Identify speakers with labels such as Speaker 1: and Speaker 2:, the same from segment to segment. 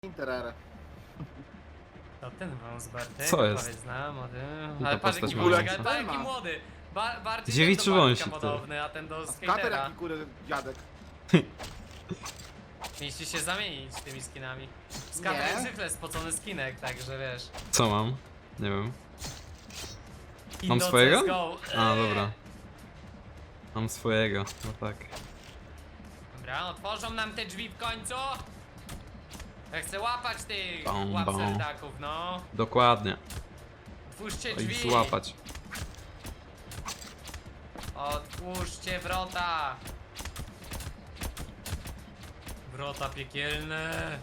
Speaker 1: Interere.
Speaker 2: To ten wąs Bartek.
Speaker 3: Co jest?
Speaker 2: Powiedz nam o tym.
Speaker 3: ta
Speaker 2: Ale patrz
Speaker 3: postać
Speaker 2: jaki
Speaker 3: ma
Speaker 2: młody,
Speaker 3: ręce.
Speaker 2: ale jaki młody. Bardziej
Speaker 3: Dziewiczy
Speaker 2: ten do Bartka
Speaker 3: wąsik, ty.
Speaker 2: podobny, a ten do
Speaker 1: Skater
Speaker 2: skatera.
Speaker 1: jaki kurde dziadek.
Speaker 2: Mieliście się zamienić tymi skinami. Skater
Speaker 1: Nie.
Speaker 2: jak zwykle spocony skinek, także wiesz.
Speaker 3: Co mam? Nie wiem. Mam
Speaker 2: Indo
Speaker 3: swojego?
Speaker 2: CSGO.
Speaker 3: A, dobra. Mam swojego, no tak.
Speaker 2: Dobra, otworzą nam te drzwi w końcu. Ja chcę łapać tych
Speaker 3: Bom, bom.
Speaker 2: łapserdaków, no.
Speaker 3: Dokładnie.
Speaker 2: Otwórzcie
Speaker 3: To ich
Speaker 2: drzwi.
Speaker 3: złapać.
Speaker 2: Otwórzcie wrota. Wrota piekielne.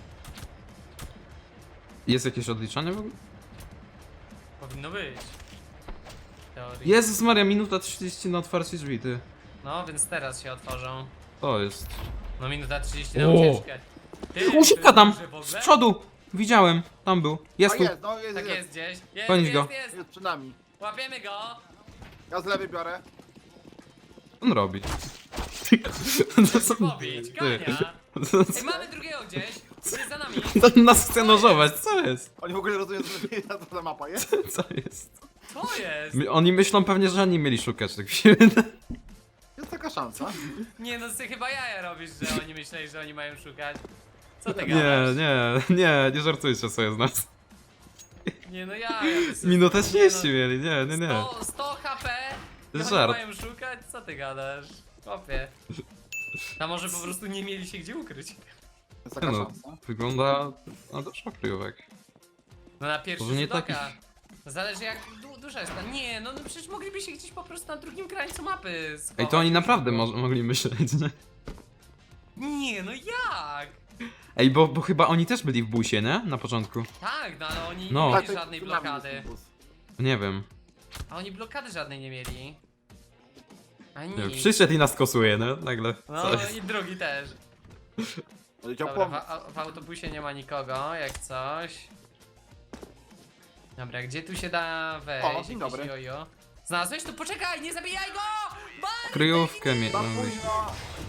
Speaker 3: Jest jakieś odliczanie w ogóle?
Speaker 2: Powinno być. W teorii.
Speaker 3: Jezus Maria, minuta 30 na otwarcie drzwi, ty.
Speaker 2: No, więc teraz się otworzą.
Speaker 3: To jest.
Speaker 2: No minuta 30 na
Speaker 3: O!
Speaker 2: ucieczkę. Ty,
Speaker 3: Ucieka tam!
Speaker 2: duży w ogóle?
Speaker 3: Z przodu! Widziałem, tam był. Jest
Speaker 1: A
Speaker 3: tu.
Speaker 1: jest, no jest,
Speaker 2: Tak
Speaker 1: jest.
Speaker 2: jest gdzieś. Jest,
Speaker 3: Gonić
Speaker 2: jest,
Speaker 3: go.
Speaker 2: jest.
Speaker 1: Jest przed nami.
Speaker 2: Łapiemy go.
Speaker 1: Ja z lewej biorę.
Speaker 3: Co on robi?
Speaker 2: Chcę pobić, gania. Ej, mamy drugiego gdzieś. Jest za nami.
Speaker 3: To nas chce nożować, co jest?
Speaker 1: Oni w ogóle rozumieją, że ta mapa jest.
Speaker 3: Co jest?
Speaker 2: Co jest?
Speaker 3: Oni myślą pewnie, że oni mieli szukać tak się wydaje.
Speaker 1: Jest taka szansa.
Speaker 2: Nie no, ty chyba jaja robisz, że oni myśleli, że oni mają szukać. Co ty
Speaker 3: Nie,
Speaker 2: gadasz?
Speaker 3: nie żartujcie sobie z nas.
Speaker 2: Nie no jaja.
Speaker 3: Minutę
Speaker 2: Nie
Speaker 3: 30 mieli, nie.
Speaker 2: 100 HP?
Speaker 3: To jest
Speaker 2: Oni
Speaker 3: żart.
Speaker 2: mają szukać? Co ty gadasz? Chłopie. A może po prostu nie mieli się gdzie ukryć?
Speaker 1: Jest
Speaker 3: Nie
Speaker 1: taka
Speaker 3: no,
Speaker 1: szansa.
Speaker 3: wygląda na dużo kryjówek.
Speaker 2: No na pierwszy
Speaker 3: Może nie
Speaker 2: rzut oka.
Speaker 3: takich.
Speaker 2: Zależy jak duża jest ta. Nie, no przecież mogliby się gdzieś po prostu na drugim krańcu mapy schować.
Speaker 3: Ej, to oni naprawdę mogli myśleć, nie?
Speaker 2: Nie, no jak?
Speaker 3: Ej, bo chyba oni też byli w busie, nie? Na początku.
Speaker 2: Tak, no ale oni
Speaker 3: No.
Speaker 2: nie
Speaker 1: Tak,
Speaker 2: mieli
Speaker 1: to
Speaker 2: żadnej
Speaker 1: przed nami
Speaker 2: blokady.
Speaker 1: jest ten bus.
Speaker 3: Nie wiem.
Speaker 2: A oni blokady żadnej nie mieli. A
Speaker 3: Nie wiem.
Speaker 2: nic.
Speaker 3: Przyszedł i nas kosuje, nie? Nagle.
Speaker 2: No
Speaker 3: Co jest?
Speaker 2: i drugi też.
Speaker 1: Leciał
Speaker 2: Dobra,
Speaker 1: pomóc.
Speaker 2: w autobusie nie ma nikogo, jak coś. Dobra, gdzie tu się da wejść?
Speaker 1: O, dzień
Speaker 2: Jakieś
Speaker 1: dobry.
Speaker 2: jojo. Znalazłeś? To poczekaj, nie zabijaj go! Bartek,
Speaker 3: Kryjówkę
Speaker 2: nie!
Speaker 1: Tam
Speaker 3: miałem.
Speaker 1: późno.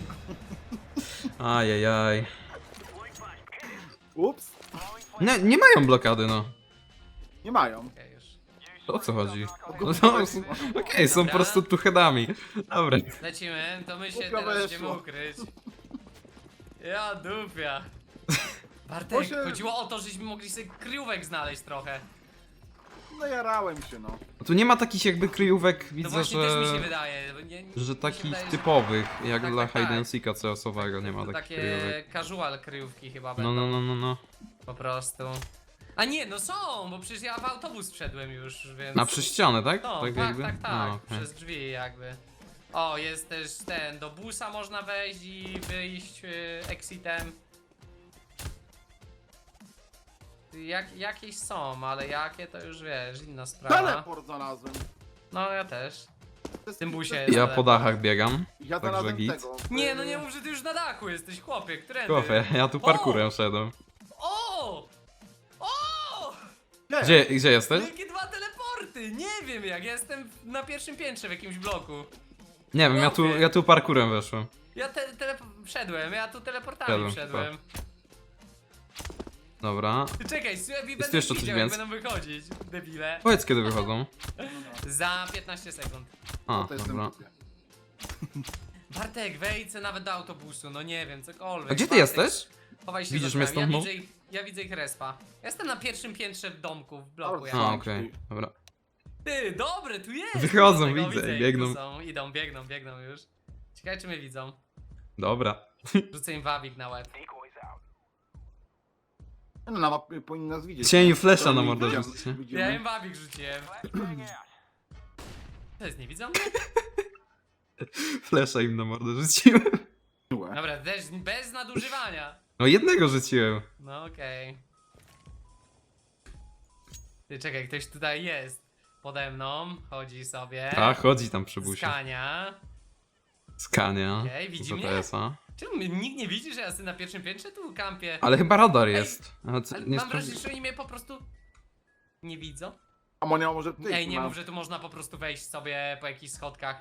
Speaker 3: Ajajaj.
Speaker 1: Ups.
Speaker 3: Nie mają blokady, no.
Speaker 1: Nie mają.
Speaker 2: Okej, już.
Speaker 3: To o co chodzi? No, okej, są po prostu tu headami. Dobra.
Speaker 2: Lecimy, to my się
Speaker 1: Głupio
Speaker 2: teraz
Speaker 1: weszło.
Speaker 2: będziemy ukryć. Ja dupia.
Speaker 1: Bo
Speaker 2: Bartek,
Speaker 1: się-
Speaker 2: chodziło o to, żeśmy mogli sobie kryjówek znaleźć trochę.
Speaker 1: No jarałem się, no.
Speaker 3: Tu nie ma takich jakby kryjówek,
Speaker 2: To
Speaker 3: widzę,
Speaker 2: właśnie też mi się
Speaker 3: że...
Speaker 2: wydaje. bo nie, mi
Speaker 3: Że
Speaker 2: się
Speaker 3: takich
Speaker 2: wydaje, że
Speaker 3: typowych, jak
Speaker 2: Tak,
Speaker 3: dla
Speaker 2: tak, tak.
Speaker 3: hide and seeka CS-owego nie ma
Speaker 2: to
Speaker 3: takich
Speaker 2: takie
Speaker 3: kryjówek.
Speaker 2: casual kryjówki chyba
Speaker 3: No,
Speaker 2: będą.
Speaker 3: no.
Speaker 2: Po prostu. A nie, no są, bo przecież ja w autobus wszedłem już, więc...
Speaker 3: Na przez ścianę, tak?
Speaker 2: No,
Speaker 3: tak,
Speaker 2: tak,
Speaker 3: jakby?
Speaker 2: tak, tak,
Speaker 3: A, okej.
Speaker 2: przez drzwi jakby. O, jest też ten, do busa można wejść i wyjść exitem. Jakieś są, ale jakie to już wiesz, inna sprawa.
Speaker 1: Teleport znalazłem.
Speaker 2: No ja też.
Speaker 1: To jest-
Speaker 2: tym busie
Speaker 1: to
Speaker 2: jest-
Speaker 1: jest-
Speaker 3: Ja po dachach biegam.
Speaker 1: Ja
Speaker 3: Także
Speaker 1: znalazłem
Speaker 3: git.
Speaker 1: tego.
Speaker 2: Nie, no nie mów, że ty już na dachu jesteś, chłopie, którędy?
Speaker 3: Kofie, ja tu parkurem szedłem.
Speaker 2: O! O!
Speaker 3: Gdzie jesteś?
Speaker 2: Jakie dwa teleporty! Nie wiem jak, ja jestem na pierwszym piętrze w jakimś bloku.
Speaker 3: Nie wiem, ja tu parkurem weszłem.
Speaker 2: Ja wszedłem, ja tu teleportami
Speaker 3: Wszedłem,
Speaker 2: wszedłem.
Speaker 3: Dobra.
Speaker 2: Ty czekaj, słuchaj,
Speaker 3: tu
Speaker 2: będę
Speaker 3: jeszcze coś
Speaker 2: widział jak
Speaker 3: więcej?
Speaker 2: będą wychodzić, debile.
Speaker 3: Powiedz kiedy wychodzą.
Speaker 2: Za 15 sekund.
Speaker 3: A,
Speaker 1: To jest
Speaker 3: dobra.
Speaker 1: ten
Speaker 2: Bartek, wejdź se nawet do autobusu, no nie wiem, cokolwiek.
Speaker 3: A gdzie ty
Speaker 2: Bartek,
Speaker 3: jesteś?
Speaker 2: Chowaj się
Speaker 3: Widzisz
Speaker 2: za
Speaker 3: mnie
Speaker 2: drzwiami.
Speaker 3: stąd,
Speaker 2: Ja widzę ich respa. Ja jestem na pierwszym piętrze w domku, w bloku.
Speaker 1: Dobra,
Speaker 2: Ja.
Speaker 3: A,
Speaker 1: Mam
Speaker 3: okej,
Speaker 1: tutaj.
Speaker 3: dobra.
Speaker 2: Ty, dobry, tu jest!
Speaker 3: Wychodzą,
Speaker 2: Dlatego
Speaker 3: widzę,
Speaker 2: ich,
Speaker 3: biegną.
Speaker 2: tu są. Idą, biegną już. Ciekawe czy mnie widzą.
Speaker 3: Dobra.
Speaker 2: Rzucę im wabik na łeb.
Speaker 1: No na mapie powinni nas widzieć.
Speaker 3: Cieniu flesza
Speaker 1: To
Speaker 3: na
Speaker 1: my
Speaker 3: mordę
Speaker 1: widzimy-
Speaker 3: rzucicie.
Speaker 1: widzimy.
Speaker 2: Ja im wabik rzuciłem. To jest, nie widzą mnie?
Speaker 3: Flesza im na mordę rzuciłem.
Speaker 2: Dobra, też bez nadużywania.
Speaker 3: No jednego rzuciłem.
Speaker 2: No okej. Ty czekaj, ktoś tutaj jest. Pode mną, chodzi sobie.
Speaker 3: A, chodzi tam przy busie.
Speaker 2: Skania.
Speaker 3: Skania.
Speaker 2: Okej, widzi
Speaker 3: za
Speaker 2: mnie?
Speaker 3: TS-a.
Speaker 2: Czemu nikt nie widzi, że ja jestem na pierwszym piętrze tu kampię?
Speaker 3: Ale chyba radar jest. A, co,
Speaker 2: Ale
Speaker 3: nie
Speaker 2: mam
Speaker 3: sprawdzi-
Speaker 2: wrażenie, że oni mnie po prostu nie widzą.
Speaker 1: A Monia może ty?
Speaker 2: Ej, nie mów, że tu można po prostu wejść sobie po jakichś schodkach.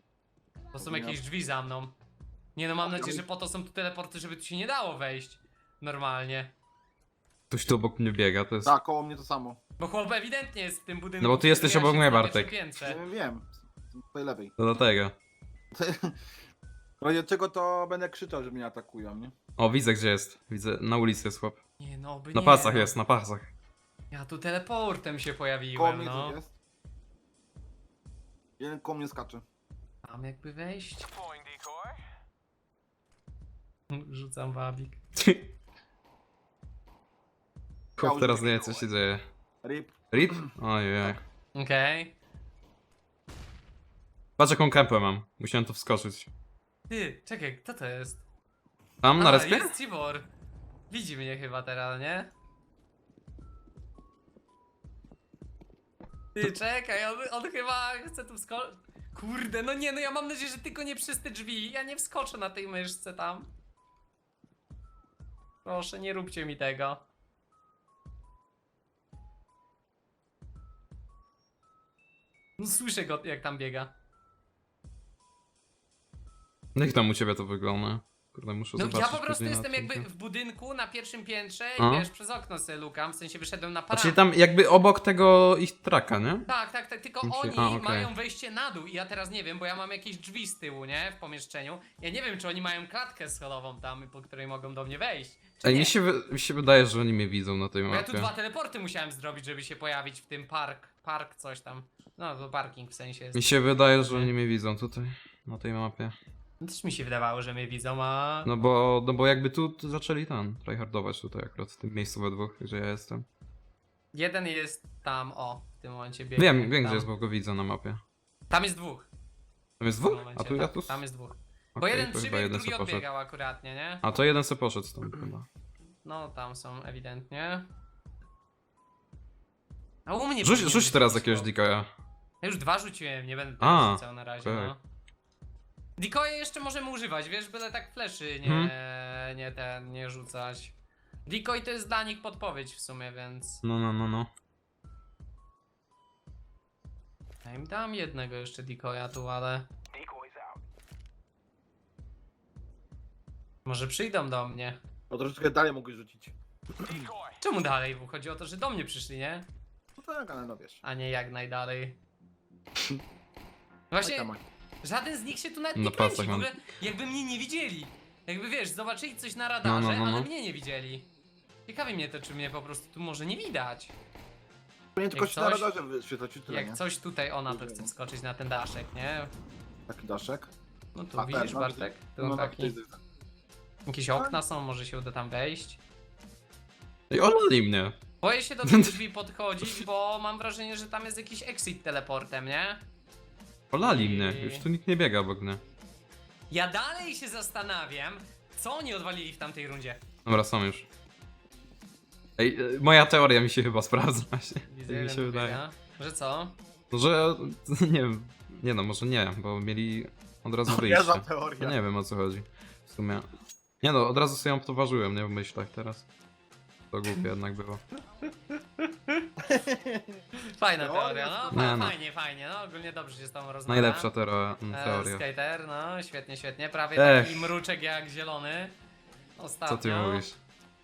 Speaker 2: To są
Speaker 1: Nie.
Speaker 2: jakieś drzwi za mną. Nie no, mam nadzieję, że po to są tu teleporty, żeby tu się nie dało wejść. Normalnie.
Speaker 3: Ktoś tu obok mnie biega, to jest...
Speaker 1: Tak, koło mnie to samo.
Speaker 2: Bo chłop ewidentnie jest w tym budynku.
Speaker 3: No bo ty
Speaker 2: w którym
Speaker 3: jesteś
Speaker 2: ja
Speaker 3: obok
Speaker 2: siedzę
Speaker 3: mnie,
Speaker 2: na
Speaker 3: Bartek.
Speaker 2: pierwszym piętrze.
Speaker 1: Wiem. Po tej lewej.
Speaker 3: To dlatego.
Speaker 1: W razie czego to będę krzyczał, że mnie atakują, nie?
Speaker 3: O, widzę gdzie jest. Widzę, na ulicy jest chłop.
Speaker 2: Nie no, by
Speaker 3: Na
Speaker 2: nie,
Speaker 3: pasach
Speaker 2: no.
Speaker 3: jest, na pasach.
Speaker 2: Ja tu teleportem się
Speaker 1: Koło
Speaker 2: pojawiłem,
Speaker 1: mnie
Speaker 2: no.
Speaker 1: tu jest. Jeden koło mnie skacze.
Speaker 2: Mam jakby wejść. Rzucam wabik.
Speaker 3: Chłop teraz nie wie co się dzieje.
Speaker 1: Rip.
Speaker 3: Rip? Ojej.
Speaker 2: Okej.
Speaker 3: Patrz jaką kępę mam. Musiałem tu wskoczyć.
Speaker 2: Ty, czekaj, kto to jest?
Speaker 3: Tam na respie?
Speaker 2: Jest Cibor. Widzi mnie chyba teraz, nie? Ty, czekaj, on chyba chce tu wskoczyć. Kurde, no nie, no ja mam nadzieję, że tylko nie przez te drzwi. Ja nie wskoczę na tej myszce tam. Proszę, nie róbcie mi tego. No słyszę go, jak tam biega.
Speaker 3: Jak tam u ciebie to wygląda? Kurde, muszę
Speaker 2: No
Speaker 3: zobaczyć.
Speaker 2: ja po prostu
Speaker 3: później na
Speaker 2: jestem jakby
Speaker 3: odcinku.
Speaker 2: w budynku na pierwszym piętrze
Speaker 3: A?
Speaker 2: i wiesz, przez okno sobie lukam, w sensie wyszedłem na
Speaker 3: A
Speaker 2: parapet.
Speaker 3: czyli tam jakby obok tego ich traka, nie?
Speaker 2: Tak, tylko
Speaker 3: Musi-
Speaker 2: oni
Speaker 3: okej.
Speaker 2: mają wejście na dół i ja teraz nie wiem, bo ja mam jakieś drzwi z tyłu, nie? W pomieszczeniu. Ja nie wiem, czy oni mają klatkę schodową tam, po której mogą do mnie wejść. Czy
Speaker 3: Ej,
Speaker 2: nie?
Speaker 3: mi się wydaje, że oni mnie widzą na tej
Speaker 2: Bo ja tu
Speaker 3: mapie.
Speaker 2: 2 teleporty musiałem zrobić, żeby się pojawić w tym park coś tam. No, to parking w sensie jest.
Speaker 3: Mi się wydaje, że oni mnie widzą tutaj, na tej mapie.
Speaker 2: Też mi się wydawało, że mnie widzą, a...
Speaker 3: No bo jakby tu zaczęli tryhardować tutaj akurat, w tym miejscu we dwóch, gdzie ja jestem.
Speaker 2: Jeden jest tam, o, w tym momencie biegnie.
Speaker 3: Wiem
Speaker 2: tam.
Speaker 3: gdzie jest, bo go widzę na mapie.
Speaker 2: Tam jest dwóch.
Speaker 3: Tam jest
Speaker 2: W tym
Speaker 3: dwóch?
Speaker 2: momencie,
Speaker 3: A tu ja tu...
Speaker 2: Tam jest dwóch. Bo
Speaker 3: Okej,
Speaker 2: jeden
Speaker 3: to chyba
Speaker 2: przybiegł,
Speaker 3: jeden
Speaker 2: drugi
Speaker 3: se poszedł.
Speaker 2: odbiegał akuratnie, nie?
Speaker 3: A to jeden se poszedł stąd chyba.
Speaker 2: No, tam są ewidentnie. A u mnie
Speaker 3: Rzuć
Speaker 2: powinien być
Speaker 3: teraz
Speaker 2: blisko.
Speaker 3: jakiegoś decoya.
Speaker 2: Ja już 2 rzuciłem, nie będę
Speaker 3: A,
Speaker 2: teraz rzucał na razie,
Speaker 3: okej.
Speaker 2: no. Decoye jeszcze możemy używać, wiesz, byle tak fleszy nie rzucać. Decoy to jest dla nich podpowiedź w sumie, więc...
Speaker 3: No.
Speaker 2: Ja im dam jednego jeszcze decoya tu, ale... Może przyjdą do mnie.
Speaker 1: O, troszeczkę dalej mogłeś rzucić.
Speaker 2: Czemu dalej? Bo chodzi o to, że do mnie przyszli, nie?
Speaker 1: No tak, ale no wiesz.
Speaker 2: A nie jak najdalej. Właśnie,
Speaker 1: Oj, tam, oj.
Speaker 2: żaden z nich się tu nawet
Speaker 3: Na
Speaker 2: nie kręci,
Speaker 3: pasach
Speaker 2: w
Speaker 3: mam.
Speaker 2: ogóle jakby mnie nie widzieli. Jakby wiesz, zobaczyli coś na radarze,
Speaker 3: No.
Speaker 2: ale mnie nie widzieli. Ciekawi mnie to, czy mnie po prostu tu może nie widać.
Speaker 1: Nie tylko
Speaker 2: Jak
Speaker 1: się na
Speaker 2: coś-
Speaker 1: radarze wyświetlać i tyle,
Speaker 2: Jak
Speaker 1: nie?
Speaker 2: coś tutaj ona to chce wskoczyć na ten daszek, nie?
Speaker 1: Taki daszek.
Speaker 2: No tu
Speaker 1: A,
Speaker 2: widzisz,
Speaker 1: tak, no,
Speaker 2: Bartek? Tu
Speaker 1: No,
Speaker 2: taki.
Speaker 1: taki.
Speaker 2: Jakieś okna są, może się uda tam wejść.
Speaker 3: I olali mnie.
Speaker 2: Boję się do tych drzwi podchodzić, bo mam wrażenie, że tam jest jakiś exit teleportem, nie?
Speaker 3: Olali mnie. Już tu nikt nie biega obok mnie.
Speaker 2: Ja dalej się zastanawiam, co oni odwalili w tamtej rundzie.
Speaker 3: Dobra, są już. Ej, moja teoria mi się chyba sprawdza właśnie.
Speaker 2: Widzę,
Speaker 3: Tak mi
Speaker 2: jeden
Speaker 3: się
Speaker 2: tu
Speaker 3: wydaje.
Speaker 2: biega. Że co?
Speaker 3: No, że nie wiem. Nie no, może nie, bo mieli od razu
Speaker 1: Ja za
Speaker 3: wyjście.
Speaker 1: teorię.
Speaker 3: To nie wiem o co chodzi. W sumie. Nie no, od razu sobie ją poważyłem, nie w myślach teraz. To głupie jednak było.
Speaker 2: Fajna
Speaker 1: Teoria,
Speaker 2: teoria, no,
Speaker 3: Nie no.
Speaker 2: fajnie, no ogólnie dobrze się z tobą rozmawia.
Speaker 3: Najlepsza teoria.
Speaker 2: Skater, no świetnie, prawie
Speaker 3: Ech.
Speaker 2: taki mruczek jak zielony. Ostatnio.
Speaker 3: Co ty mówisz?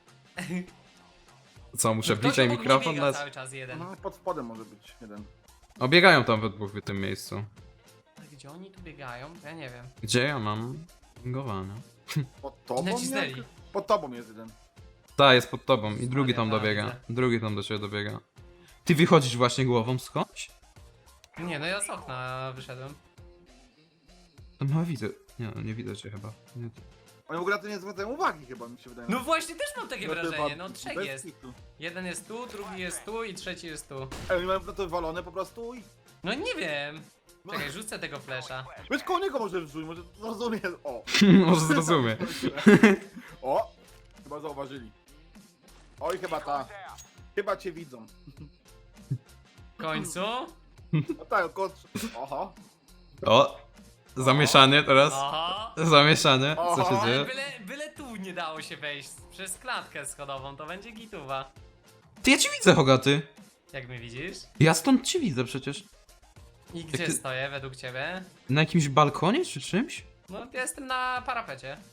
Speaker 3: Co, muszę
Speaker 2: Ktoś
Speaker 3: bliżej
Speaker 2: obok mnie
Speaker 3: mikrofon
Speaker 2: biega
Speaker 3: dać?
Speaker 2: cały czas jeden.
Speaker 1: No, pod spodem może być jeden.
Speaker 3: O, biegają tam we dwóch w tym miejscu.
Speaker 2: Gdzie oni tu biegają? Ja nie wiem.
Speaker 3: Gdzie ja mam pingowane?
Speaker 1: Pod tobą?
Speaker 2: Nacisnęli.
Speaker 1: jak? Pod tobą jest jeden.
Speaker 3: Ta, jest pod tobą i drugi tam
Speaker 2: Stary,
Speaker 3: dobiega.
Speaker 2: widzę.
Speaker 3: Drugi tam do ciebie dobiega. Ty wychodzisz właśnie głową skądś?
Speaker 2: Nie, no ja z okna wyszedłem.
Speaker 3: Tam chyba widzę. Nie, no nie widzę cię chyba. Nie,
Speaker 1: Oni w ogóle na to nie zwracają uwagi chyba, mi się wydaje.
Speaker 2: No właśnie, też mam takie
Speaker 1: No to
Speaker 2: wrażenie,
Speaker 1: chyba
Speaker 2: no trzech
Speaker 1: bez
Speaker 2: jest.
Speaker 1: kitu.
Speaker 2: Jeden jest tu, drugi jest tu i trzeci jest tu.
Speaker 1: Ej, oni mają na to walone po prostu i...
Speaker 2: No nie wiem.
Speaker 1: No.
Speaker 2: Czekaj, rzucę tego flesza.
Speaker 1: Wiesz, koło niego może wrzuć, może zrozumie. O!
Speaker 3: Może zrozumie.
Speaker 1: O! Chyba zauważyli. Oj, chyba ta. Chyba cię widzą.
Speaker 2: W końcu.
Speaker 1: No tak, kot... Oho.
Speaker 3: O! Zamieszanie teraz.
Speaker 2: Oho.
Speaker 3: Zamieszanie. Co się
Speaker 1: Oho.
Speaker 2: Ale
Speaker 3: dzieje?
Speaker 2: byle tu nie dało się wejść przez klatkę schodową, to będzie gituwa.
Speaker 3: Ty, ja ci widzę, Hogaty.
Speaker 2: Jak mnie widzisz?
Speaker 3: Ja stąd ci widzę przecież.
Speaker 2: I gdzie
Speaker 3: ty-
Speaker 2: stoję według ciebie?
Speaker 3: Na jakimś balkonie czy czymś?
Speaker 2: No ja jestem na parapecie.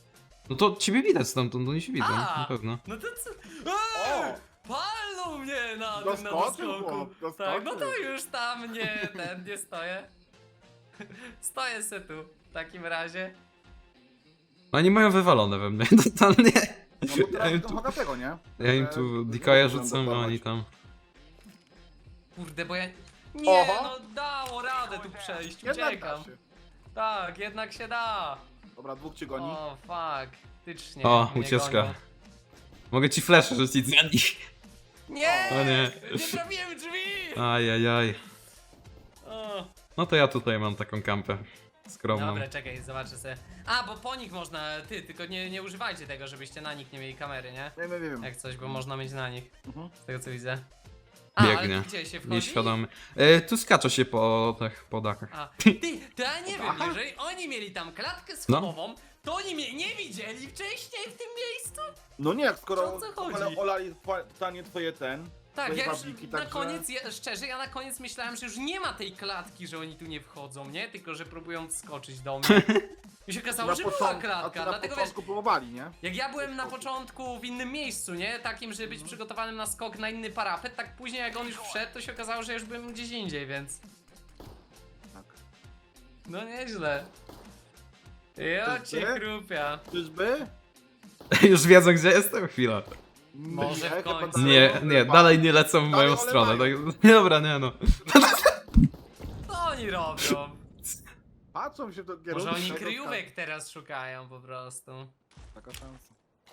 Speaker 3: No to ciebie widać stamtąd, oni się widzą,
Speaker 2: A!
Speaker 3: na pewno.
Speaker 2: No to co?
Speaker 1: O!
Speaker 2: Palnął mnie na tym na
Speaker 1: Doskoczył,
Speaker 2: doskoku.
Speaker 1: chłop,
Speaker 2: Tak, no to
Speaker 1: doskoczył.
Speaker 2: już tam nie stoję. Stoję se tu, w takim razie.
Speaker 3: Oni mają wywalone we mnie, totalnie.
Speaker 1: No bo
Speaker 3: Ja
Speaker 1: teraz
Speaker 3: im
Speaker 1: to
Speaker 3: tu,
Speaker 1: Hogatego, nie?
Speaker 3: ja im tu decoya rzucam, a oni tam...
Speaker 2: Kurde, bo ja... Nie,
Speaker 1: Oho.
Speaker 2: no dało radę tu przejść,
Speaker 1: Jednak da
Speaker 2: uciekam.
Speaker 1: się.
Speaker 2: Tak, jednak się da.
Speaker 1: Dobra, dwóch cię goni.
Speaker 2: O, faktycznie.
Speaker 3: O,
Speaker 2: mnie
Speaker 3: ucieczka.
Speaker 2: gonią.
Speaker 3: Mogę ci flash rzucić za nich.
Speaker 2: Nie!
Speaker 3: O nie.
Speaker 2: Nie trafiłem drzwi!
Speaker 3: Ajajaj.
Speaker 2: O.
Speaker 3: No to ja tutaj mam taką kampę skromną.
Speaker 2: Dobra, czekaj, zobaczę sobie. A, bo po nich można, tylko nie używajcie tego, żebyście na nich nie mieli kamery, nie?
Speaker 1: Wiem.
Speaker 2: Jak coś, bo można mieć na nich,
Speaker 1: Mhm.
Speaker 2: z tego co widzę. A, ale
Speaker 3: Biegnie.
Speaker 2: gdzie się wchodzi?
Speaker 3: Nieświadomy. Tu skacze się po dakach.
Speaker 2: A, ty, to ja nie wiem, jeżeli oni mieli tam klatkę schodową, to oni mnie nie widzieli wcześniej w tym miejscu?
Speaker 1: No nie, jak skoro
Speaker 2: O co chodzi?
Speaker 1: ale olali totalnie twoje
Speaker 2: Tak,
Speaker 1: twoje
Speaker 2: ja już
Speaker 1: babliki,
Speaker 2: na
Speaker 1: także-
Speaker 2: koniec, szczerze, ja na koniec myślałem, że już nie ma tej klatki, że oni tu nie wchodzą, nie? Tylko, że próbują wskoczyć do mnie. I się okazało, że była
Speaker 1: a
Speaker 2: klatka,
Speaker 1: to na
Speaker 2: dlatego wiesz,
Speaker 1: początku próbowali, nie?
Speaker 2: jak ja byłem na początku w innym miejscu, nie? Takim, żeby być przygotowanym na skok na inny parapet, tak później jak on już wszedł, to się okazało, że już byłem gdzieś indziej, więc...
Speaker 1: Tak.
Speaker 2: No nieźle. Ja cię
Speaker 1: Czyżby?
Speaker 2: krupia.
Speaker 1: Czyżby?
Speaker 3: Już wiedzą gdzie jestem? Chwila.
Speaker 2: Może w
Speaker 1: chyba
Speaker 2: końcu.
Speaker 1: tak.
Speaker 3: Nie, dalej nie lecą w moją
Speaker 1: Dalej
Speaker 3: stronę.
Speaker 1: olewają.
Speaker 3: Tak, dobra, nie no.
Speaker 2: Co oni robią?
Speaker 1: Patrzą się do kierunku.
Speaker 2: Może oni
Speaker 1: tego,
Speaker 2: kryjówek teraz szukają po prostu.
Speaker 1: Taka szansa.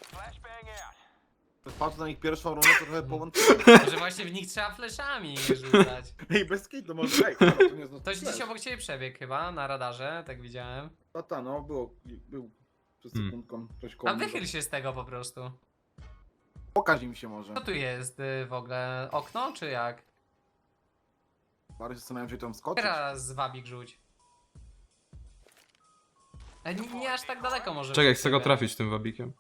Speaker 1: Patrzę na ich pierwszą rundę, to trochę połączyłem.
Speaker 2: Może właśnie w nich trzeba fleszami rzucać.
Speaker 1: Ej, bez kitu, może ej, to nie jest
Speaker 2: Ktoś gdzieś obok ciebie przebiegł chyba, na radarze, tak widziałem.
Speaker 1: Tata, no, był przez
Speaker 3: Hmm.
Speaker 1: sekundką coś koło
Speaker 2: A
Speaker 1: mnie.
Speaker 2: wychyl się z tego po prostu.
Speaker 1: Pokaż im się może.
Speaker 2: Co tu jest w ogóle? Okno czy jak?
Speaker 1: Bardziej zastanawiam się tam skoczyć.
Speaker 2: Teraz wabik rzuć. Ale nie aż tak daleko może.
Speaker 3: Czekaj,
Speaker 2: rzuć
Speaker 3: chcę go
Speaker 2: sobie.
Speaker 3: trafić tym wabikiem.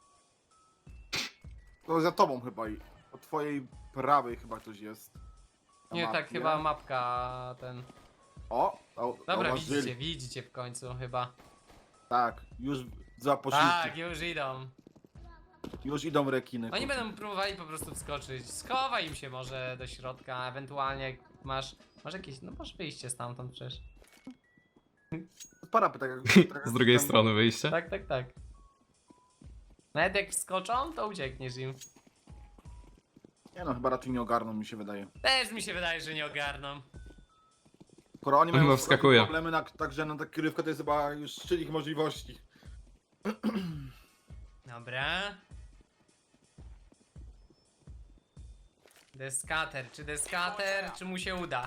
Speaker 1: To za tobą chyba i po twojej prawej chyba ktoś jest. Na
Speaker 2: Nie, tak
Speaker 1: mapie.
Speaker 2: chyba mapka ten.
Speaker 1: Dobra,
Speaker 2: Dobra, widzicie w końcu chyba.
Speaker 1: Tak, już za posiłki.
Speaker 2: Tak, już idą.
Speaker 1: Już idą rekiny.
Speaker 2: Oni
Speaker 1: kurwa.
Speaker 2: będą próbowali po prostu wskoczyć. Schowaj im się może do środka, ewentualnie jak masz jakieś, no masz wyjście stamtąd przecież.
Speaker 1: Parapet, tak jak
Speaker 3: Z drugiej
Speaker 1: tam-
Speaker 3: strony wyjście.
Speaker 2: Tak. Nawet jak wskoczą, to uciekniesz im.
Speaker 1: Nie no, chyba raczej nie ogarną, mi się wydaje.
Speaker 2: Też mi się wydaje, że nie ogarną.
Speaker 1: Skoro oni
Speaker 3: On chyba
Speaker 1: mają
Speaker 3: wskakuje.
Speaker 1: problemy, także na taką krywkę to jest chyba już szczyt ich możliwości.
Speaker 2: Dobra. Deskater, czy mu się uda?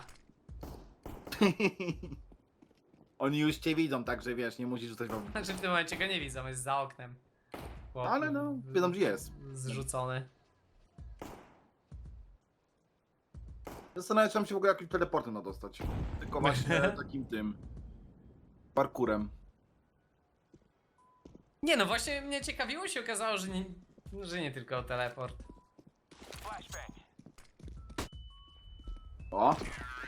Speaker 1: Oni już cię widzą, także wiesz, nie musisz rzucać wam.
Speaker 2: Znaczy w tym momencie go nie widzą, jest za oknem. Chłop
Speaker 1: Ale no, wiedzą gdzie jest.
Speaker 2: Zrzucony.
Speaker 1: Zastanawiam się, tam się w ogóle jakimś teleportem da dostać. Tylko właśnie takim tym parkurem.
Speaker 2: Nie no, właśnie mnie ciekawiło, się okazało, że nie tylko teleport.
Speaker 1: O!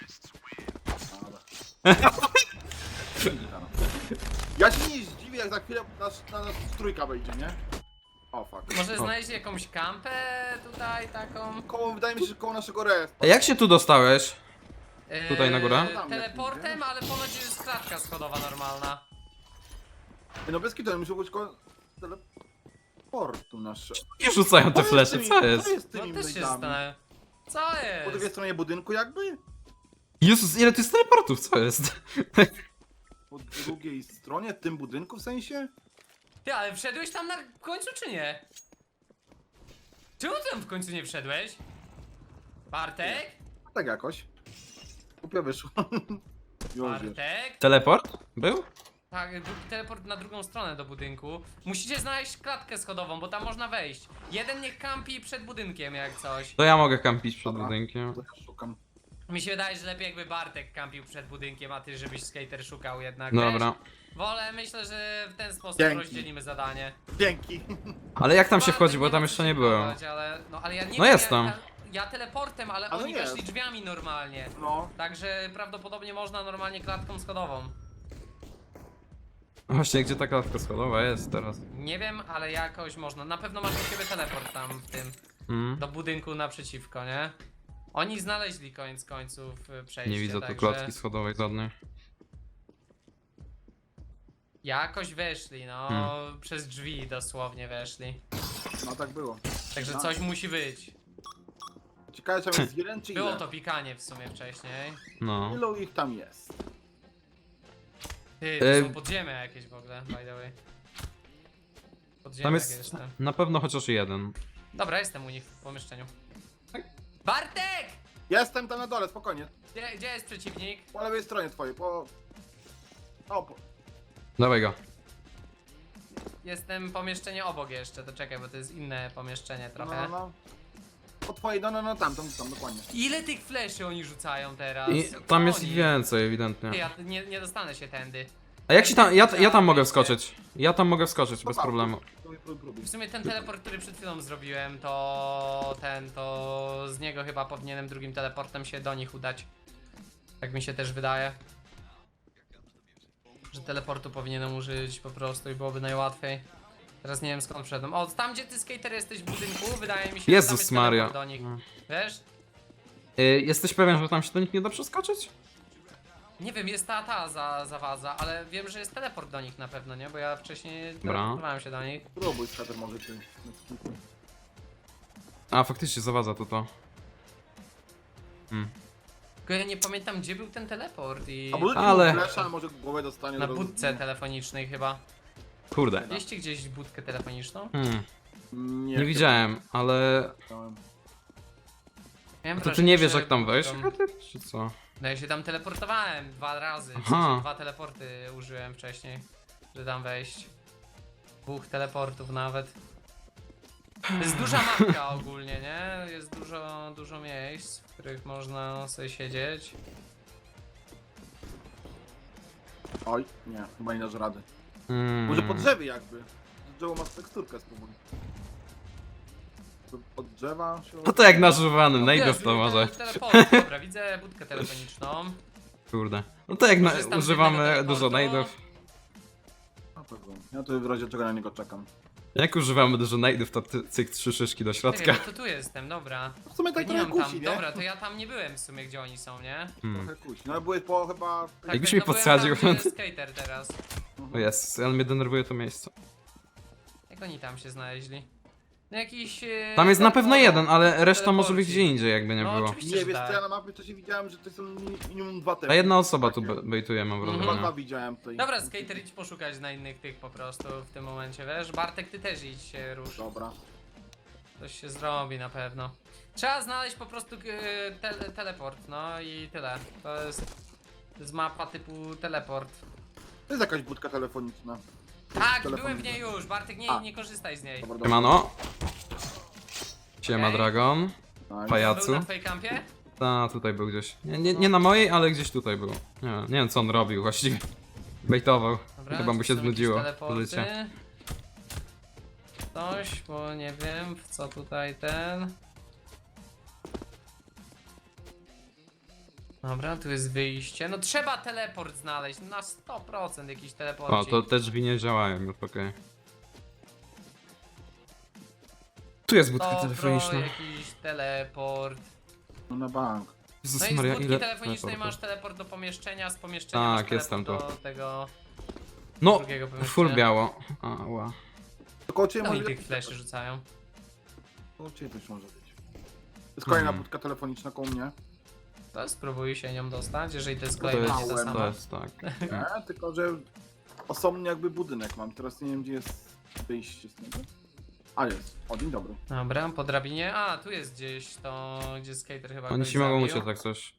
Speaker 1: Ja się nie zdziwię, jak za chwilę na nas trójka wejdzie, nie? O fuck.
Speaker 2: Może znaleźć jakąś kampę tutaj taką?
Speaker 1: Wydaje mi się, że koło naszego respa.
Speaker 3: A jak się tu dostałeś? Tutaj na górę?
Speaker 2: Teleportem, ale ponoć jest klatka schodowa normalna.
Speaker 1: No bez kitu, muszę być koło teleportu nasze.
Speaker 3: I rzucają te flesze, co jest?
Speaker 1: Co jest z
Speaker 2: No
Speaker 1: tymi
Speaker 2: też się
Speaker 1: mailami?
Speaker 2: zastanawiam. Co
Speaker 1: Po drugiej
Speaker 2: jest?
Speaker 1: stronie budynku jakby?
Speaker 3: Jezus, ile tu jest teleportów, co jest?
Speaker 1: Po drugiej stronie, w tym budynku w sensie?
Speaker 2: Ty, ale wszedłeś tam na końcu czy nie? Czemu ty tam w końcu nie wszedłeś? Bartek?
Speaker 1: Tak jakoś. Głupio wyszło. Już jest.
Speaker 2: Bartek?
Speaker 3: Teleport? Był?
Speaker 2: Tak, teleport na drugą stronę do budynku. Musicie znaleźć klatkę schodową, bo tam można wejść. Jeden niech kampi przed budynkiem jak coś.
Speaker 3: To ja mogę kampić przed
Speaker 1: Dobra.
Speaker 3: budynkiem.
Speaker 1: To ja szukam.
Speaker 2: Mi się wydaje, że lepiej jakby Bartek kampił przed budynkiem, a ty żebyś skater szukał jednak.
Speaker 3: Dobra.
Speaker 2: Wiesz? Wolę, myślę, że w ten sposób
Speaker 1: Dzięki.
Speaker 2: rozdzielimy zadanie.
Speaker 1: Dzięki.
Speaker 3: Ale jak tam się
Speaker 2: Bartek
Speaker 3: wchodzi, bo
Speaker 2: nie
Speaker 3: tam
Speaker 2: ma
Speaker 3: jeszcze
Speaker 2: co
Speaker 3: nie
Speaker 2: się
Speaker 3: byłem.
Speaker 2: próbować, ale ja nie
Speaker 3: No
Speaker 2: wiem,
Speaker 3: jest tam.
Speaker 2: Ja teleportem, ale
Speaker 1: Ale
Speaker 2: oni
Speaker 1: jest.
Speaker 2: weszli drzwiami normalnie.
Speaker 1: No.
Speaker 2: Także prawdopodobnie można normalnie klatką schodową.
Speaker 3: Właśnie, gdzie ta klatka schodowa jest teraz?
Speaker 2: Nie wiem, ale jakoś można. Na pewno masz u siebie teleport tam w tym, do budynku naprzeciwko, nie? Oni znaleźli koniec końców przejście,
Speaker 3: Nie widzę tu
Speaker 2: także
Speaker 3: klatki schodowej żadnej.
Speaker 2: jakoś weszli, no, przez drzwi dosłownie weszli.
Speaker 1: No tak było.
Speaker 2: Także
Speaker 1: No.
Speaker 2: coś musi być.
Speaker 1: Ciekawe, czy tam jest jeden, czy
Speaker 2: Było
Speaker 1: ile?
Speaker 2: to pikanie w sumie wcześniej.
Speaker 3: No.
Speaker 1: Ilu ich tam jest?
Speaker 2: Ty, to są podziemia jakieś w ogóle, by the way. Podziemia
Speaker 3: Tam
Speaker 2: jakieś
Speaker 3: jest
Speaker 2: tam.
Speaker 3: na pewno chociaż jeden.
Speaker 2: Dobra, jestem u nich w pomieszczeniu. Bartek!
Speaker 1: Jestem tam na dole, spokojnie.
Speaker 2: Gdzie jest przeciwnik?
Speaker 1: Po lewej stronie twojej, po... O, po...
Speaker 3: Dawaj go.
Speaker 2: Jestem pomieszczenie obok jeszcze, to czekaj, bo to jest inne pomieszczenie
Speaker 1: No,
Speaker 2: trochę.
Speaker 1: no. Po twojej, no, tam, dokładnie.
Speaker 2: Ile tych fleszy oni rzucają teraz?
Speaker 3: I
Speaker 2: Co
Speaker 3: tam jest
Speaker 2: oni?
Speaker 3: ich więcej, ewidentnie.
Speaker 2: Ty, ja nie dostanę się tędy.
Speaker 3: A jak się tam. Ja tam mogę wskoczyć. Ja tam mogę wskoczyć bez problemu.
Speaker 1: Próbuj.
Speaker 2: W sumie ten teleport, który przed chwilą zrobiłem, to z niego chyba powinienem drugim teleportem się do nich udać. Tak mi się też wydaje. Że teleportu powinienem użyć po prostu i byłoby najłatwiej. Teraz nie wiem skąd wszedłem. O, tam gdzie ty skater jesteś w budynku, wydaje mi się, że tam
Speaker 3: Jezus
Speaker 2: jest
Speaker 3: Maria.
Speaker 2: teleport do nich. Wiesz?
Speaker 3: Jesteś pewien, że tam się do nich nie da przeskoczyć?
Speaker 2: Nie wiem, jest ta zawadza, ale wiem, że jest teleport do nich na pewno, nie? Bo ja wcześniej
Speaker 3: Dobra.
Speaker 2: teleportowałem się do nich.
Speaker 1: Próbuj, skater może ty.
Speaker 3: A faktycznie zawadza to.
Speaker 2: Tylko ja nie pamiętam, gdzie był ten teleport i...
Speaker 1: A budzi
Speaker 3: Ale-
Speaker 1: mu flesza, może głowę dostanie.
Speaker 2: Na
Speaker 1: od razu.
Speaker 2: budce telefonicznej chyba.
Speaker 3: Kurde.
Speaker 2: Widzieliście gdzieś budkę telefoniczną?
Speaker 3: Nie widziałem, ale.
Speaker 1: widziałem.
Speaker 2: Miałem
Speaker 3: To ty
Speaker 2: wrażenie,
Speaker 3: nie wiesz
Speaker 2: że
Speaker 3: jak tam wejść?
Speaker 2: budką-
Speaker 3: Chyba ty, czy co?
Speaker 2: No ja się tam teleportowałem 2 razy, w
Speaker 3: Aha.
Speaker 2: sensie 2 teleporty użyłem wcześniej, żeby tam wejść. 2 teleportów nawet. To jest duża mapka ogólnie, nie? Jest dużo miejsc, w których można sobie siedzieć.
Speaker 1: Oj, nie, chyba nie dasz rady.
Speaker 3: Mm.
Speaker 1: Może po drzewie jakby. Z drzewa masz teksturkę, spróbuj. Od drzewa się...
Speaker 3: No to jak na żuwanym, najdę
Speaker 2: Jezu,
Speaker 3: w to może.
Speaker 2: Teleport, dobra, widzę budkę telefoniczną.
Speaker 3: Kurde. No to jak
Speaker 2: Korzystam z
Speaker 3: używamy
Speaker 2: jednego
Speaker 3: dużo
Speaker 2: teleportu.
Speaker 3: najdów.
Speaker 1: Na pewno. Ja tu w razie czego na niego czekam.
Speaker 3: Jak używamy dużo najdów, to cyk 3 szyszki do
Speaker 2: Nie
Speaker 3: środka.
Speaker 2: wiem, to tu jestem, dobra.
Speaker 1: W sumie tak
Speaker 2: Ja nie
Speaker 1: trochę
Speaker 2: mam
Speaker 1: kusi,
Speaker 2: tam,
Speaker 1: nie?
Speaker 2: dobra, to ja tam nie byłem w sumie, gdzie oni są, nie?
Speaker 1: Trochę kusi. No ale byłeś po chyba...
Speaker 2: Tak,
Speaker 3: Jakbyś
Speaker 2: tak,
Speaker 3: mnie
Speaker 2: no byłem
Speaker 3: podsadził.
Speaker 2: Tam, gdzie jest skater teraz.
Speaker 3: O jest, ale mnie denerwuje to miejsce.
Speaker 2: Jak oni tam się znaleźli? No jakiś...
Speaker 3: Tam jest na pewno
Speaker 2: teleporci.
Speaker 3: jeden, ale reszta może być
Speaker 2: Teleporci.
Speaker 3: gdzie indziej, jakby nie
Speaker 2: No,
Speaker 3: było.
Speaker 2: oczywiście,
Speaker 1: Nie,
Speaker 2: że
Speaker 1: wiesz
Speaker 2: tak.
Speaker 1: co, ja na mapie wcześniej widziałem, że to są minimum 2 te.
Speaker 3: A jedna osoba tu bejtuje, mam
Speaker 2: Mhm.
Speaker 1: Chyba
Speaker 3: wrażenie.
Speaker 1: 2 widziałem tutaj.
Speaker 2: Dobra, skater, idź poszukać na innych tych po prostu w tym momencie, wiesz? Bartek, ty też idź się rusz.
Speaker 1: Dobra.
Speaker 2: Coś się zrobi na pewno. Trzeba znaleźć po prostu teleport, no i tyle. To jest mapa typu teleport.
Speaker 1: To jest jakaś budka telefoniczna.
Speaker 2: Tak,
Speaker 1: Telefon
Speaker 2: byłem w niej
Speaker 1: widzę.
Speaker 2: już, Bartek,
Speaker 1: A.
Speaker 2: nie korzystaj z niej.
Speaker 1: Dobra, dobra.
Speaker 3: Siemano. Siema
Speaker 2: Okej.
Speaker 3: Dragon.
Speaker 1: Nice.
Speaker 3: Pajacu.
Speaker 2: Był na twojej kampie?
Speaker 3: Ta, tutaj był gdzieś. Nie na mojej, ale gdzieś tutaj był. Nie wiem co on robił właściwie. Bejtował.
Speaker 2: Dobra,
Speaker 3: Chyba mu
Speaker 2: tu
Speaker 3: się
Speaker 2: są jakieś
Speaker 3: znudziło
Speaker 2: teleporty.
Speaker 3: życie.
Speaker 2: Coś, bo nie wiem w co tutaj ten. Dobra, tu jest wyjście. No trzeba teleport znaleźć, na 100% jakiś teleport.
Speaker 3: O, to te drzwi nie działają już, okej. Tu jest budka telefoniczna.
Speaker 2: jakiś teleport.
Speaker 1: No na bank.
Speaker 3: Jezus
Speaker 2: No i z
Speaker 3: Maria,
Speaker 2: budki
Speaker 3: ile
Speaker 2: telefonicznej
Speaker 3: teleportów.
Speaker 2: masz teleport do pomieszczenia, z pomieszczenia
Speaker 3: Tak,
Speaker 2: masz
Speaker 3: jestem
Speaker 2: teleport do tego
Speaker 3: No,
Speaker 2: drugiego pomieszczenia.
Speaker 3: full biało. Ała.
Speaker 1: To koło ciebie
Speaker 2: No i
Speaker 1: może
Speaker 2: tych fleszy rzucają.
Speaker 1: Koło ciebie też może być. To jest kolejna
Speaker 3: Mhm.
Speaker 1: budka telefoniczna koło mnie.
Speaker 2: To spróbuj się nią dostać, jeżeli to jest
Speaker 3: To
Speaker 2: kolejna nie
Speaker 3: jest,
Speaker 2: ta
Speaker 1: małem,
Speaker 2: sama.
Speaker 3: to jest tak.
Speaker 1: Nie, tylko że osobny jakby budynek mam. Teraz nie wiem gdzie jest wyjście z niego. A jest. O, dzień dobry.
Speaker 2: Dobra, po drabinie. A, tu jest gdzieś to, gdzie skater chyba
Speaker 3: Oni
Speaker 2: kogoś
Speaker 3: ci mogą
Speaker 2: zabił.
Speaker 3: uciec tak coś.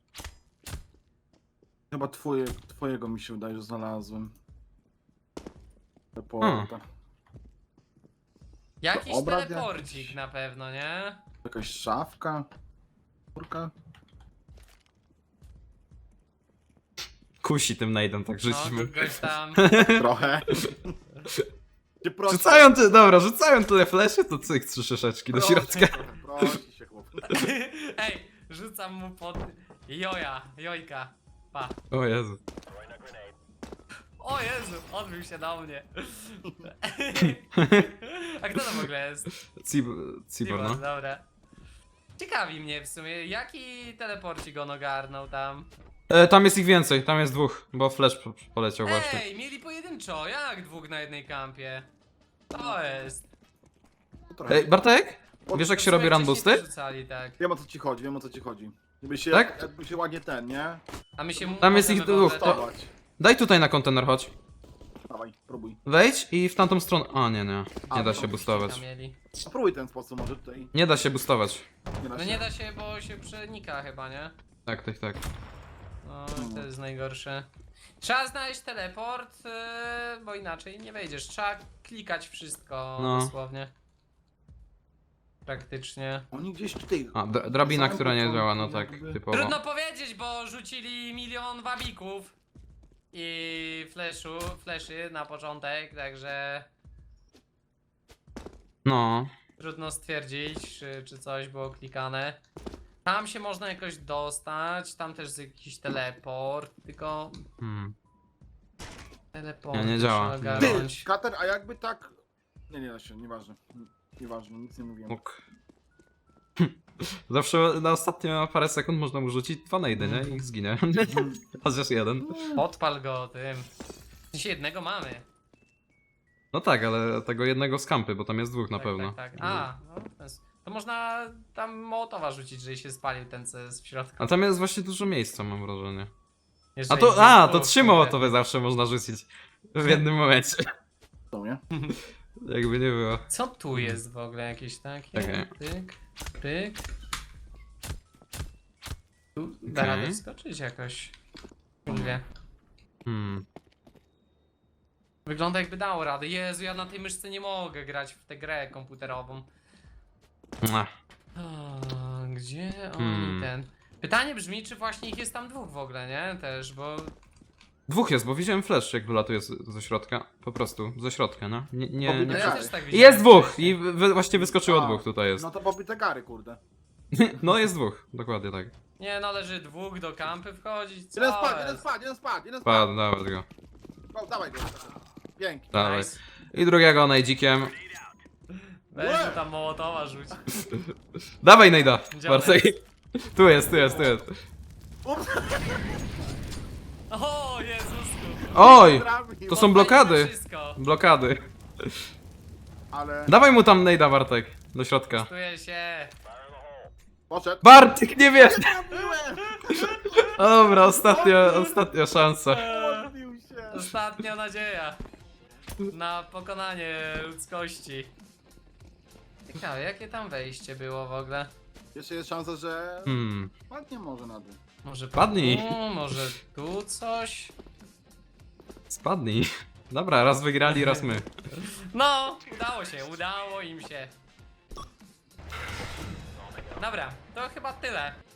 Speaker 1: Chyba twojego mi się wydaje, że znalazłem. Reporta.
Speaker 2: Jakiś
Speaker 1: To obraz
Speaker 2: teleporcik
Speaker 1: jakiś.
Speaker 2: na pewno, nie?
Speaker 1: Jakaś szafka. Kurka.
Speaker 3: Kusi tym najdą, tak
Speaker 2: No,
Speaker 3: żyćmy.
Speaker 2: kogoś tam.
Speaker 1: Trochę. Cię proszę.
Speaker 3: Rzucają tyle fleszy, to cyk 3 szyszeczki do
Speaker 1: Proszę
Speaker 3: środka.
Speaker 1: trochę, prosi się chłop.
Speaker 2: Ej, rzucam mu pod jojka. Pa.
Speaker 3: O Jezu.
Speaker 2: O Jezu, odbił się do mnie. A kto to w ogóle jest?
Speaker 3: Cibor, no.
Speaker 2: Dobra. Ciekawi mnie w sumie, jaki teleporcik on ogarnął tam.
Speaker 3: Tam jest ich więcej, tam jest dwóch, bo Flash poleciał właśnie.
Speaker 2: Ej, mieli pojedynczo, jak dwóch na jednej kampie? To jest.
Speaker 1: Trochę.
Speaker 3: Ej, Bartek? Wiesz jak się robi run
Speaker 2: Wcześniej
Speaker 3: boosty?
Speaker 2: rzucali, tak.
Speaker 1: Wiem o co ci chodzi, wiem o co ci chodzi. Jakby się,
Speaker 3: Tak?
Speaker 1: jakby się ładnie ten, nie?
Speaker 2: A my się
Speaker 3: Tam jest
Speaker 2: możemy
Speaker 3: ich dwóch,
Speaker 2: w ogóle-
Speaker 3: to-
Speaker 1: Stawać.
Speaker 3: Daj tutaj na kontener, chodź.
Speaker 1: Dawaj, próbuj.
Speaker 3: Wejdź i w tamtą stronę. A nie, nie. Nie da się
Speaker 2: Tam
Speaker 3: boostować.
Speaker 2: mieli.
Speaker 1: A próbuj ten sposób, może tutaj
Speaker 3: Nie da się boostować.
Speaker 1: nie da
Speaker 2: No
Speaker 1: się.
Speaker 2: nie da się, bo się przenika chyba, nie?
Speaker 3: Tak, tak, tak.
Speaker 2: No, to jest najgorsze. Trzeba znaleźć teleport, bo inaczej nie wejdziesz. Trzeba klikać wszystko
Speaker 3: No.
Speaker 2: dosłownie. Praktycznie.
Speaker 1: Oni gdzieś tutaj...
Speaker 3: A, drabina,
Speaker 1: Samym
Speaker 3: która nie
Speaker 1: początku
Speaker 3: działa, no tak,
Speaker 1: jakby-
Speaker 3: typowo.
Speaker 2: Trudno powiedzieć, bo rzucili milion wabików i fleszy na początek, także
Speaker 3: No.
Speaker 2: trudno stwierdzić, czy coś było klikane. Tam się można jakoś dostać, tam też jest jakiś teleport, tylko teleport
Speaker 3: Nie działa,
Speaker 2: trzeba
Speaker 3: nie
Speaker 2: ogarnąć.
Speaker 1: Kater, a jakby tak... Nie da się, nieważne. Nieważne, nic nie mówiłem.
Speaker 3: Mógł. Zawsze na ostatnie parę sekund można mu rzucić 2 nade, nie? I zginie. Chociaż jeden.
Speaker 2: Podpal go tym. W sensie jednego mamy.
Speaker 3: No tak, ale tego jednego z kampy, bo tam jest dwóch na
Speaker 2: Tak,
Speaker 3: pewno.
Speaker 2: Tak, tak. A, no, to można tam Mołotowa rzucić, jeżeli się spalił ten, co jest w środku.
Speaker 3: A tam jest właśnie dużo miejsca, mam wrażenie.
Speaker 2: Jeżeli
Speaker 3: A to,
Speaker 2: jest
Speaker 3: to
Speaker 2: dwóch,
Speaker 3: 3 mołotowy zawsze można rzucić w jednym momencie.
Speaker 1: To nie?
Speaker 3: Jakby nie było.
Speaker 2: Co tu jest w ogóle jakieś takie?
Speaker 3: Czekaj.
Speaker 2: Pyk, pyk. Tu da
Speaker 3: Okej.
Speaker 2: radę skoczyć jakoś. Nie wie. Wygląda jakby dało radę. Jezu, ja na tej myszce nie mogę grać w tę grę komputerową.
Speaker 3: Mua.
Speaker 2: O, gdzie oni ten? Pytanie brzmi, czy właśnie ich jest tam dwóch w ogóle, nie? Też, bo...
Speaker 3: Dwóch jest, bo widziałem flash, jak wylatuje ze środka. Po prostu, ze środka, no. Nie.
Speaker 2: No ja
Speaker 1: Tak.
Speaker 2: też tak widziałem
Speaker 3: Jest dwóch!
Speaker 2: wcześniej.
Speaker 3: I właśnie wyskoczyło
Speaker 1: A,
Speaker 3: dwóch, tutaj jest.
Speaker 1: No to pobite gary, kurde.
Speaker 3: No jest dwóch, dokładnie tak.
Speaker 2: Nie, należy dwóch do kampy wchodzić, co
Speaker 1: Jeden spadł, jeden
Speaker 2: jest?
Speaker 1: spadł, jeden spadł, jeden spadł.
Speaker 3: Padł, dawaj go.
Speaker 1: O, dawaj go. Pięknie.
Speaker 3: Dawaj.
Speaker 2: Nice.
Speaker 3: I drugiego najdzikiem.
Speaker 2: Weź mu tam Mołotowa rzuć.
Speaker 3: Dawaj najda,
Speaker 2: Gdzie on
Speaker 3: Bartek. Tu jest.
Speaker 1: Ups,
Speaker 2: O Jezusku!
Speaker 3: Oj!
Speaker 1: trafił.
Speaker 3: To są blokady.
Speaker 2: Wszystko.
Speaker 3: Blokady.
Speaker 1: Ale...
Speaker 3: Dawaj mu tam najda, Bartek. Do środka.
Speaker 2: Testuję się.
Speaker 1: Poszedł.
Speaker 3: Bartek, nie wiesz!
Speaker 1: Trafiłem!
Speaker 3: Dobra, ostatnia szansa.
Speaker 1: Odbił się.
Speaker 2: Ostatnia nadzieja na pokonanie ludzkości. Ciekawe, jakie tam wejście było w ogóle?
Speaker 1: Jeszcze jest szansa, że... Ładnie może na dół.
Speaker 2: Może
Speaker 3: Padnij.
Speaker 2: tu, może tu coś?
Speaker 3: Spadnij. Dobra, raz wygrali, raz my.
Speaker 2: No, udało im się. Dobra, to chyba tyle.